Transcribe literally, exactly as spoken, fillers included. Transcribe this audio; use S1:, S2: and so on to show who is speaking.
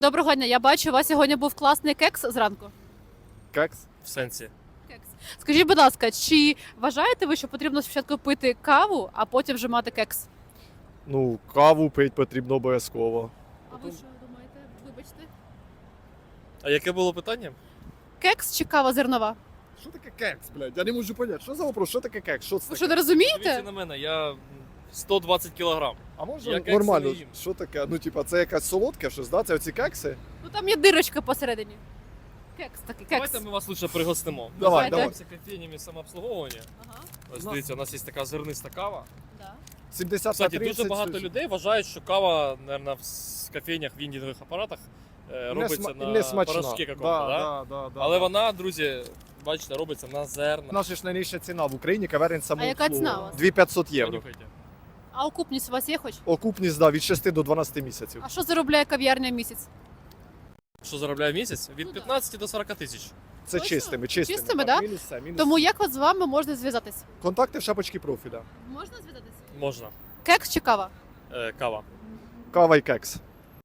S1: Доброго дня, я бачу, у вас сьогодні був класний кекс зранку.
S2: Кекс?
S3: В сенсі.
S1: Кекс. Скажіть, будь ласка, чи вважаєте ви, що потрібно спочатку пити каву, а потім вже мати кекс?
S2: Ну, каву пити потрібно обов'язково.
S1: А ви що думаєте? Вибачте.
S3: А яке було питання?
S1: Кекс чи кава зернова?
S2: Що таке кекс, блядь? Я не можу поняти. Що за вопрос? Що таке кекс? Що це
S1: Ви що,
S2: таке?
S1: не
S3: Дивіться
S1: розумієте?
S3: на мене, я сто двадцять кілограм.
S2: А може
S3: Я кекси
S2: нормально?
S3: не їм.
S2: Що таке? Ну, типа, це якась солодке щось, да? Це оці кекси?
S1: Ну там є дирочка посередині. Кекс такий, кекс.
S3: Давайте ми вас лучше пригостимо. Ми
S2: Давай,
S3: займаємося кофейнями самообслуговування.
S1: Ага,
S3: Ось
S2: Ну.
S3: дивіться, у нас є така зерниста кава.
S1: да.
S2: сімдесят на
S3: Кстати,
S2: тридцять.
S3: дуже багато людей вважають, що кава, мабуть, в кофейнях, в віндінгових апаратах е, робиться
S2: не, сма-
S3: на
S2: не смачна.
S3: порошки какому-то,
S2: да,
S3: да?
S2: да, да, да,
S3: Але
S2: да.
S3: вона, друзі, бачите, робиться на зерна.
S2: У нас же ж найнижча ціна в Україні, каверин самообслуговування.
S1: яка ціна у вас?
S2: дві тисячі п'ятсот євро.
S3: Понюхайте.
S1: А окупність у вас є хоч?
S2: Окупність, да, від шести до дванадцяти місяців.
S1: А що заробляє кав'ярня в місяць?
S3: Що заробляє в місяць? Від
S1: Ну да.
S3: п'ятнадцяти до сорока тисяч.
S2: Це
S1: Точно?
S2: чистими, чистими.
S1: Чистими,
S2: так,
S1: да?
S2: Мінус все, мінус
S1: Тому
S2: все.
S1: як от з вами можна зв'язатися?
S2: Контакти в шапочці профіля.
S1: Можна зв'язатися?
S3: Можна.
S1: Кекс чи кава?
S3: Е, кава.
S2: Кава і кекс.